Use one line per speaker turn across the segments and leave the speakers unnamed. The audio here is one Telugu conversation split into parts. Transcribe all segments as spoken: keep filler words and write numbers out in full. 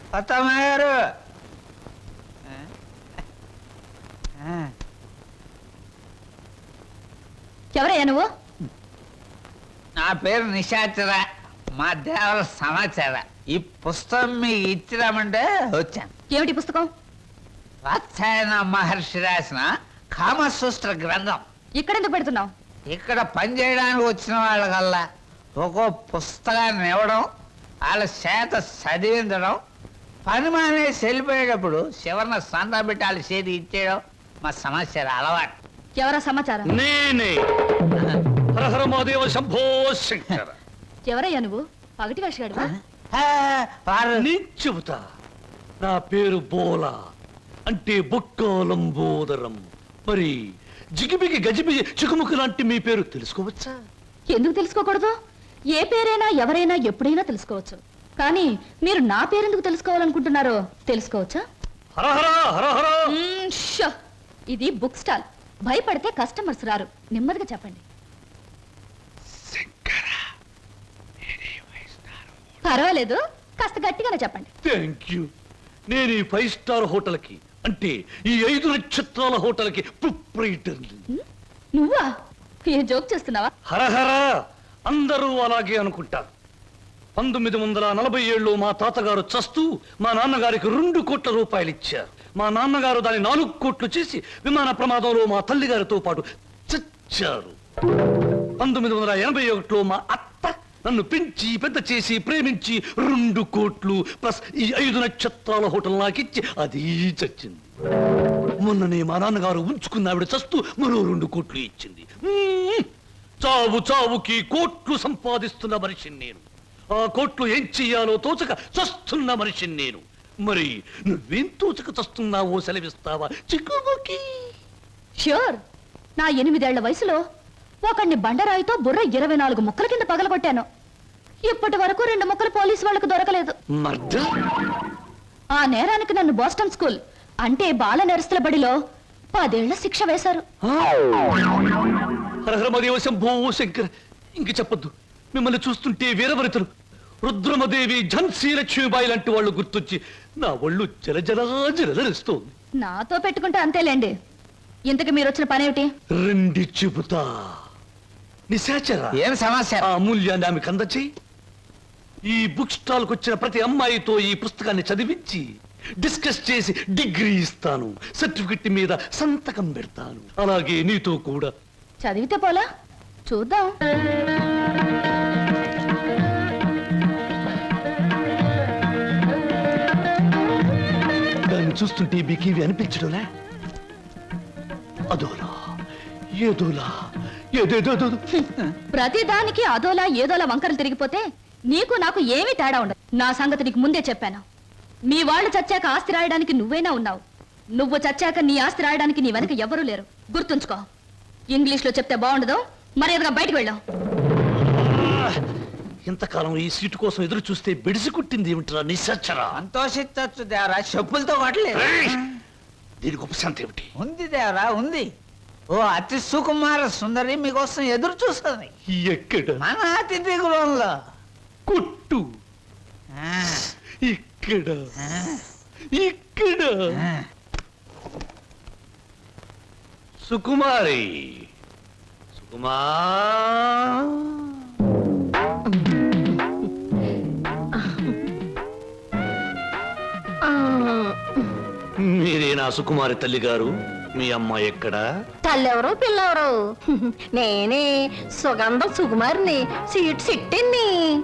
అత్తమ్మగారు
ఎవరయ్యా నువ్వు?
నా పేరు నిశాచర, మా దేవర సమాచార. ఈ పుస్తకం మీకు ఇచ్చిరామంటే వచ్చాను.
ఏమిటి పుస్తకం?
వాత్సాయన మహర్షి రాసిన కామసూత్ర గ్రంథం.
ఇక్కడెందుకు పెడుతున్నావు?
ఇక్కడ పనిచేయడానికి వచ్చిన వాళ్ళకల్లా ఒక్కో పుస్తకాన్ని ఇవ్వడం, వాళ్ళ చేత చదివించడం, పని మానేసి వెళ్ళిపోయేటప్పుడు చివరిన సంతా పెట్టి వాళ్ళ చేతి ఇచ్చేయడం మా సమాచారం అలవాటు.
ఎవరా సమాచారం?
నేనే హరహర మహాదేవ శంభో శంకర.
ఎవరయ్యా నువ్వు? పగటి వేషగాడువా?
వారు
నేను చెబుతా. నా పేరు బోలా, అంటే బొక్కాలంబోదరం. మరి జిగిబిగి గజిబిగి చికుముకు లాంటి మీ పేరు తెలుసుకోవచ్చా?
ఎందుకు తెలుసుకోకూడదు? ఏ పేరైనా ఎవరైనా ఎప్పుడైనా తెలుసుకోవచ్చు. కానీ మీరు నా పేరెందుకు తెలుసుకోవాలనుకుంటున్నారో తెలుసుకోవచ్చా?
హరహర హరహర.
మ్మ్, షో. ఇది బుక్ స్టాల్. భయపడితే కస్టమర్స్ రారు. నెమ్మదిగా చెప్పండి. పర్వాలేదు, కాస్త గట్టిగానే చెప్పండి.
Thank you. నేను ఈ ఫైవ్ స్టార్ హోటల్ కి, అంటే ఈ ఐదు నక్షత్రాల హోటల్ కి ప్రొప్రైటర్.
నువ్వా? ఏ జోక్ చేస్తున్నావా?
హరహర. అందరూ అలాగే అనుకుంటారు. పంతొమ్మిది వందల నలభై ఏళ్ళు మా తాతగారు చస్తూ మా నాన్నగారికి రెండు కోట్ల రూపాయలు ఇచ్చారు. మా నాన్నగారు దాని నాలుగు కోట్లు చేసి విమాన ప్రమాదంలో మా తల్లిగారితో పాటు చచ్చారు. పంతొమ్మిది వందల ఎనభై ఒకటిలో మా అత్త నన్ను పెంచి పెద్ద చేసి ప్రేమించి రెండు కోట్లు ప్లస్ ఈ ఐదు నక్షత్రాల హోటల్ నాకిచ్చి అది చచ్చింది. మొన్ననే మా నాన్నగారు ఉంచుకున్న ఆవిడ చస్తూ మరో రెండు కోట్లు ఇచ్చింది. చావు చావుకి కోట్లు సంపాదిస్తున్న మనిషిని నేను. ఆ కోట్లు ఏం చెయ్యాలో తోచక చస్తున్న మనిషిని నేను. మరి నువ్వేం తోచక చస్తున్నావో సెలవిస్తావా చిక్కుబుకి?
ష్యూర్. నా ఎనిమిదేళ్ల వయసులో ఒకడిని బండరాయితో బుర్ర ఇరవై నాలుగు ముక్కల కింద పగలగొట్టాను. ఇప్పటి వరకు రెండు ముక్కలు పోలీసు వాళ్ళకు దొరకలేదు. ఆ నేరానికి నన్ను బోస్టన్ స్కూల్, అంటే బాల నెరస్తుల బడిలో పదేళ్ల శిక్ష వేశారు.
శంభో శంకర. ఇంక చెప్పొద్దు. మిమ్మల్ని చూస్తుంటే వీరవరితలు రుద్రమదేవి, ఝన్సీ లక్ష్మీబాయి లాంటి వాళ్ళు గుర్తొచ్చి నా ఒళ్ళు జలజలా జలజరిస్తోంది.
నాతో పెట్టుకుంటే అంతేలేండి. ఇంతకు మీరు వచ్చిన పనేమిటి?
రెండి చెబుతా. నిశాచర,
ఏం సమస్య?
ఆ అమూల్యాన్ని ఆమెకు అందచేయి. ఈ బుక్ స్టాల్ కు వచ్చిన ప్రతి అమ్మాయితో ఈ పుస్తకాన్ని చదివించి డిస్కస్ చేసి డిగ్రీ ఇస్తాను. సర్టిఫికెట్ మీద సంతకం పెడతాను. అలాగే నీతో కూడా.
చదివితే పోలా? చూద్దాం.
దాన్ని చూస్తుంటే మీకేవి అనిపించడంలే? అదోలా ఏదోలా ఏదేదో.
ప్రతి దానికి అదోలా ఏదోలా వంకరలు తిరిగిపోతే నీకు నాకు ఏమీ తేడా ఉండదు. నా సంగతి నీకు ముందే చెప్పాను. మీ వాళ్ళు చచ్చాక ఆస్తి రాయడానికి నువ్వైనా ఉన్నావు. నువ్వు చచ్చాక నీ ఆస్తి రాయడానికి నీ వెనక ఎవరూ లేరు. గుర్తుంచుకో. ఇంగ్లీష్ లో చెప్తే బాగుండదు. మర్యాదగా బయటకు వెళ్ళాం.
ఇంతకాలం ఈ సీటు కోసం ఎదురు చూస్తే బెడిసి కుట్టింది ఏమిట్రా నిశాచరా?
సంతోషించచ్చు దేవరా, చెప్పులతో కొట్టలేదు.
దీనికి ఉపశాంతి ఏమిటి?
ఉంది దేవరా, ఉంది. ఓ అతి సుకుమార సుందరి మీకోసం ఎదురు చూస్తుంది.
ఎక్కడ?
మన అతిథి గృహంలో.
కొట్టు. ఇక్కడ ఇక్కడ. సుకుమారి, సుకుమా. మీరేనా సుకుమారి తల్లి గారు? మీ అమ్మాయి ఎక్కడా?
తల్లెవరు పిల్లెవరు? నేనే సుగంధం సుకుమారిని, సీట్ సిట్టిని.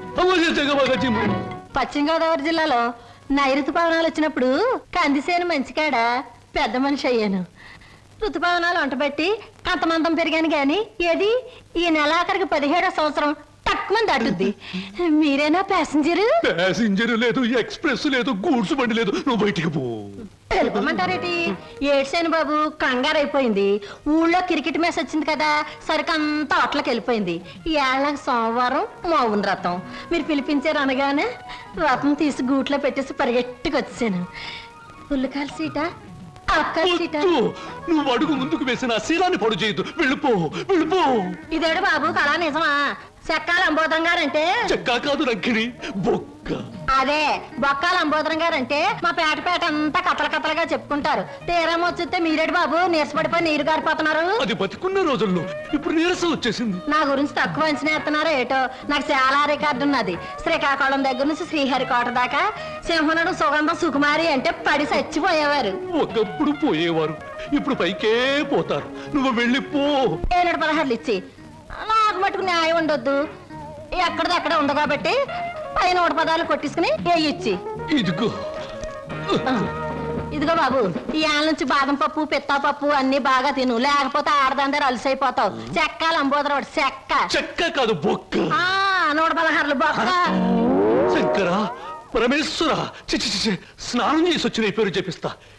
పశ్చిమ గోదావరి జిల్లాలో నైరుతు పవనాలు వచ్చినప్పుడు కందిసేను మంచికాడ పెద్ద మనిషి అయ్యాను. ఋతుపవనాలు వంటబెట్టి కంతమంతం పెరిగాను గాని ఏది ఈ నెలాఖరికి పదిహేడో సంవత్సరం తక్కువ దాటుద్ది. మీరేనా ప్యాసింజర్?
ప్యాసింజర్ లేదు, ఎక్స్ప్రెస్ లేదు, గూడ్స్ బండి లేదు. నువ్వు బయటికి పో.
తెలుపమంటారేటి? ఏడ్సేను బాబు, కంగారు అయిపోయింది. ఊళ్ళో క్రికెట్ మ్యాచ్ వచ్చింది కదా, సరికంతా అట్లకి వెళ్ళిపోయింది. ఏళ్ళ సోమవారం మౌన రథం. మీరు పిలిపించారు అనగానే రథం తీసి గూట్లో పెట్టేసి పరిగెట్టుకు వచ్చాను. పుల్లకాల సీట, అక్కల సీట.
నువ్వు అడుగు ముందుకు వేసిన శీలాన్ని పొడు చేయదు. వెళ్ళిపో, వెళ్ళిపో.
ఇదేడు బాబు కళా నిజమా? చెక్కాల అంబోధం గారంటే
చెక్కా కాదు రంకిణి, బొక్క.
అదే బొక్కాల అంబోదరం గారు అంటే మా పేట పేట అంతా కథల కథలుగా చెప్పుకుంటారు. తీరం వచ్చితే మీరేడు బాబు నీరసపడిపోయి నీరు గారిపోతున్నారు.
అది బతికున్న రోజుల్లో ఇప్పుడు నీరసం వచ్చేసింది.
నా గురించి తక్కువ అంచనా ఎత్తున్నారో ఏటో. నాకు చాలా రికార్డు ఉన్నది. శ్రీకాకుళం దగ్గర నుంచి శ్రీహరికోట దాకా సింహనుడు సుగంధం సుకుమారి అంటే పడి చచ్చిపోయేవారు.
ఒకప్పుడు పోయేవారు, ఇప్పుడు పైకే పోతారు. నువ్వు వెళ్ళిపో.
ఏనాడు పదహారులు ఇచ్చి నాకు మటుకు న్యాయం ఉండొద్దు. ఎక్కడిది అక్కడ ఉంది కాబట్టి పై నూట పదాలు కొట్టించుకుని ఏ ఇచ్చి
ఇదిగో
ఇదిగో బాబు, ఈ ఆల నుంచి బాదం పప్పు పిత్తా పప్పు అన్ని బాగా తిను, లేకపోతే ఆడదందరూ అలసైపోతావు. చెక్కాలి అంబోదరవాడు చెక్క.
చెక్క కాదు బొక్క.
ఆ నూట పదహారులు బొక్క.
శంకర పరమేశ్వర, చి చి, చి, చి, స్నానం చేసి వచ్చిన ఈ పేరు చెప్పిస్తా.